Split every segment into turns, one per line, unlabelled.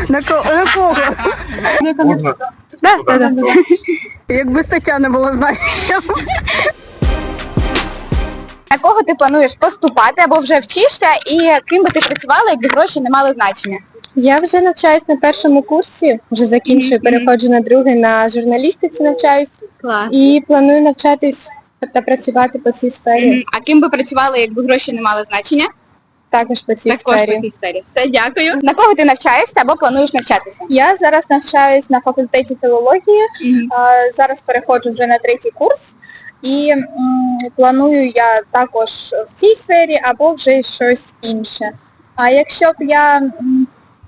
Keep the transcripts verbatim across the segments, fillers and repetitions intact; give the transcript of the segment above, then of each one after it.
На кого? На кого?
Можна?
Да, да, да. Якби стаття не було знання.
На кого ти плануєш поступати або вже вчишся, і ким би ти працювала, якби гроші не мали значення?
Я вже навчаюсь на першому курсі, вже закінчую, переходжу на другий, на журналістиці навчаюсь.
Клас.
І планую навчатись та працювати по цій сфері.
А ким би працювала, якби гроші не мали значення?
Також по цій
Також
сфері.
по цій сфері. Все, дякую. На кого ти навчаєшся або плануєш навчатися?
Я зараз навчаюсь на факультеті філології, а, зараз переходжу вже на третій курс. І м, планую я також в цій сфері або вже щось інше. А якщо б я м,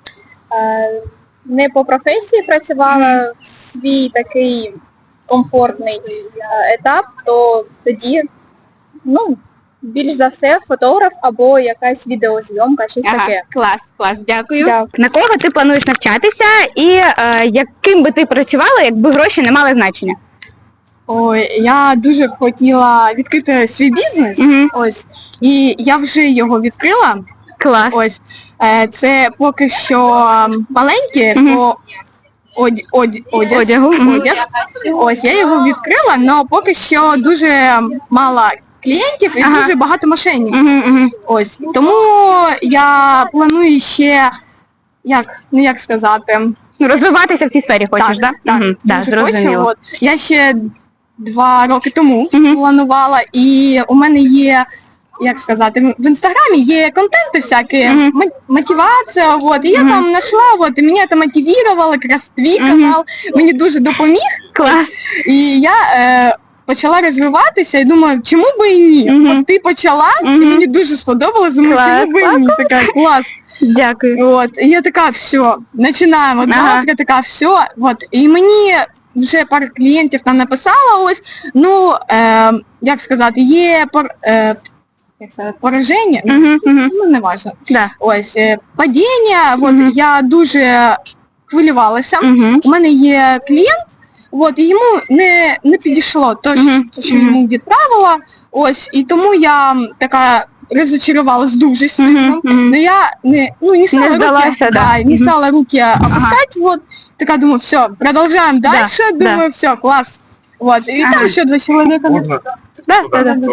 е, не по професії працювала в свій такий комфортний е, етап, то тоді, ну, більш за все, фотограф або якась відеозйомка, щось
Ага,
таке.
клас, клас, дякую.
Дякую.
На кого ти плануєш навчатися і е, яким би ти працювала, якби гроші не мали значення?
Ой, я дуже б хотіла відкрити свій бізнес,
Мгм.
ось, і я вже його відкрила.
Клас.
Ось, е, це поки що м, маленьке
Мгм.
по одь, одь, одяг,
Одягу. Мгм.
одяг. Ось, я його відкрила, але поки що дуже мало клієнтів і
Ага.
дуже багато мошенників.
Мгм, мгм.
Ось, тому я планую ще, як, ну як сказати,
Ну, розвиватися в цій сфері хочеш, так?
так,
Мгм, да,
дуже хочу.
зрозуміло.
От. Я ще два роки тому
Мгм.
планувала, і у мене є, як сказати, в інстаграмі є контенти всякі,
Мгм.
мо- мотивація, от, і я
Мгм.
там знайшла, от, і мене це мотивувало, якраз твій
Мгм.
канал мені дуже допоміг,
Клас.
і я е, почала розвиватися і думаю, чому би і ні?
Мгм.
От ти почала,
Мгм.
і мені дуже сподобалось, думаю,
Клас,
чому би і ні? Така, клас.
Дякую.
От, і я така, все, починаємо,
Ага.
завтра така, все, от, і мені вже пару клієнтів там написала ось, ну, е, як сказати, є пор, е, як сказати, пораження,
Мгм, мгм.
ну, не важливо,
Да.
ось, е, падіння, от,
Мгм.
я дуже хвилювалася,
Мгм.
у мене є клієнт, от, і йому не, не підійшло то, що-
Мгм.
то, що
Мгм.
йому відправила, ось, і тому я м, така розочарувалась дуже сильно.
Мгм, мгм.
Но я не, ну, не стала
Не сдалась,
руки,
да.
не
Мгм.
стала руки опускать, вот, такая думаю, все, продолжаем дальше,
да.
думаю, все, класс. Вот, и
Ага.
там еще два человека.
Можна?
Да, да, да, да.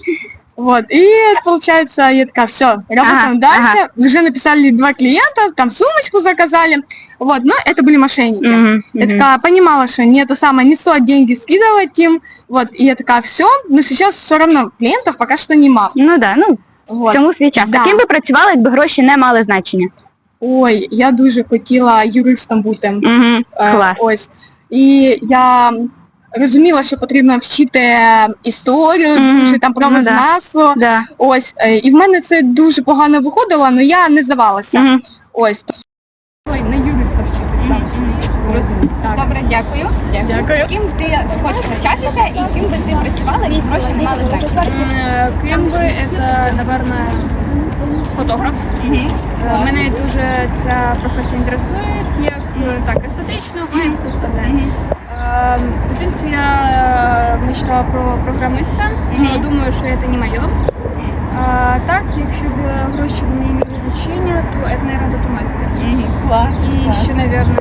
Вот, и получается, я такая, все, работаем
Ага,
дальше,
ага.
уже написали два клиента, там сумочку заказали, вот, но это были мошенники.
Мгм,
Я
мгм.
такая понимала, что не это самое, не стоит деньги скидывать им, вот, и я такая, все, но сейчас все равно клиентов пока что нема.
Ну да, ну,
Вот.
всьому свій час.
Да.
А ким би працювала, якби гроші не мали значення?
Ой, я дуже хотіла юристом бути.
Мгм.
Е,
Клас.
Ось. І я розуміла, що потрібно вчити історію,
Мгм.
дуже там
Ну да.
правознавство.
Да.
Ось. е, І в мене це дуже погано виходило, але я не здавалася.
Мгм.
Ось.
Ой, на юриста вчитися. Зрозуміло. Так.
Добре, дякую.
Дякую.
Ким ти хочеш навчатися і ким би ти працювала, і гроші не мали значення?
М, Ким би це, напевно, фотограф.
Мгм.
Е, Мене дуже ця професія інтересує, як е, так естетично, а і все складне.
Мгм.
Е, В дитинстві я е, мечтала про програмиста,
Мгм.
але думаю, що це не моє. А, так, якщо б гроші не мали значення, то це, наверное, тату-мастер.
Клас.
І ще, наверное,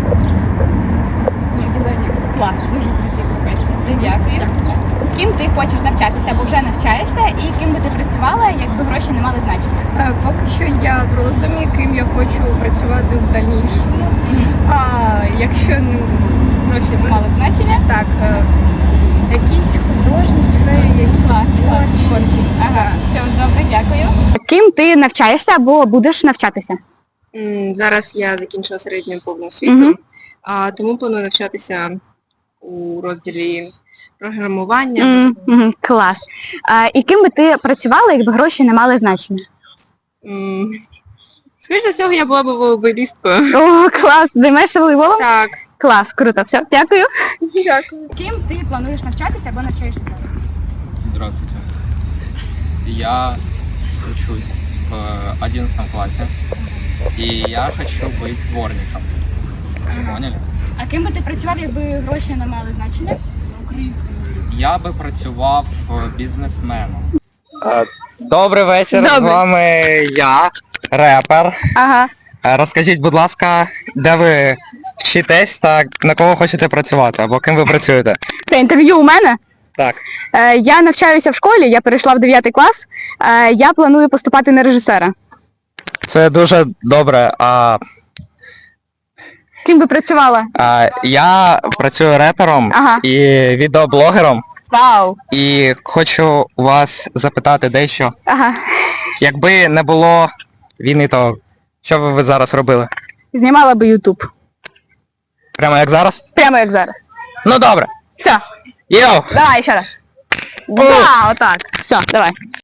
Ну, дизайнер. Клас, дуже круті професії. Все, дякую. Ким ти хочеш навчатися або вже навчаєшся, і ким би ти працювала, якби гроші не мали значення?
Е, Поки що я в роздумі, ким я хочу працювати в дальнішому. А якщо ну,
Гроші не мали значення?
так, е, якісь художні сфери, якісь
Клас, клас,
творчі.
творчі. Ага, все, добре, дякую. Ким ти навчаєшся або будеш навчатися?
М, Зараз я закінчила середню повну освіту,
Мгм.
а тому планую навчатися у розділі програмування.
М, мгм, Клас. А, і ким би ти працювала, якби гроші не мали значення?
М, Скоріше за всього, я була б волейболісткою.
О, клас. Займаєшся волейболом?
Так.
Клас, круто. Все, дякую.
Дякую.
Ким ти плануєш навчатися або навчаєшся зараз?
Здравствуйте. Я учусь в одиннадцатом классе, и я хочу быть дворником. Поняли?
А ким би ти працював, якби гроші не мали значення?
Я би працював бізнесменом.
Добрий вечір,
Добрий.
з вами я, репер.
Ага.
Е, Розкажіть, будь ласка, де ви вчитесь та на кого хочете працювати, або ким ви працюєте?
Це інтерв'ю у мене.
Так.
Е, Я навчаюся в школі, я перейшла в дев'ятий клас. Е, Я планую поступати на режисера.
Це дуже добре. А,
Ким би працювала?
а я працюю репером
Ага.
і відеоблогером,
Вау!
і хочу у вас запитати дещо.
Ага.
Якби не було війни, то що би ви зараз робили?
Знімала би Ютуб.
Прямо як зараз?
Прямо як зараз.
Ну добре.
Все,
Йоу!
давай ще раз. Да, отак. Все, давай.